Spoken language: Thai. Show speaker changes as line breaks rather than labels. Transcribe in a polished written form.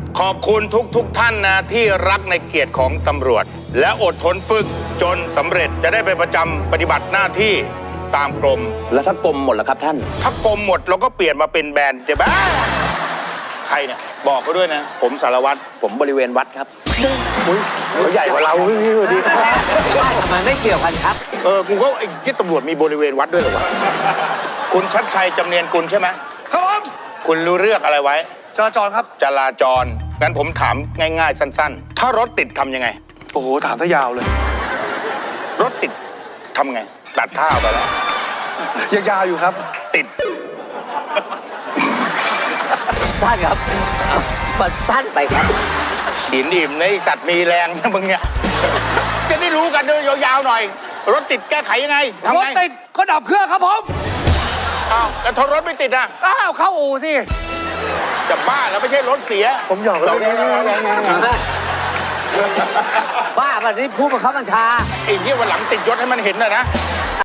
ขอบคุณทุกท่านนะที่รักในเกียรติของตำรวจ และอดทนฝึกจนสำเร็จจะได้ไปประจำปฏิบัติหน้าที่ตามกรม
แล้วถ้ากรมหมดล่ะครับท่าน
ถ้ากรมหมดเราก็เปลี่ยนมาเป็นแบรนด์จะบ้าใครเนี่ยบอกเขาด้วยนะ ผมสารวัตร
ผมบริเวณวัดครับ
เขาใหญ่กว่าเราพี่ดี
ทำไมไม่เกี่ยวกันครับ
กูก็ไอ้ที่ตำรวจมีบริเวณวัดด้วยเหรอวะคุณชัดชัยจำเนียนกุลใช่ไหม
ครับผม
คุณรู้เรื่องอะไรไว้
จราจรครับ
จราจรงั้นผมถามง่ายๆสั้นๆ ถ้ารถติดทำยังไง
โอ้โหถามซะยาวเลย
รถติดทำไง ตัดท่าไปแล้ว
ยังยาวอยู่ครับ
ติด
สั้นครับมันสั้นไปครับ
หินอิ่มในสัตว์มีแรงนะมึงเนี่ย จะได้รู้กันด้วยยาวๆหน่อย รถติดแก้ไขยังไงทำ
รถ
ไง
ติดก็ดับเครื่องครับผม
อ้าวแต่ทนรถไม่ติดอ่ะ
อ้าวเข้าอู่สิ
จะบ้าแล้วไม่ใช่รถเสีย
ผมหยอกเลย
บ้าแบบนี้ผู้บังคับบัญชา
ไอ้ที่วันหลังติดยศให้มันเห็นหน่อยนะ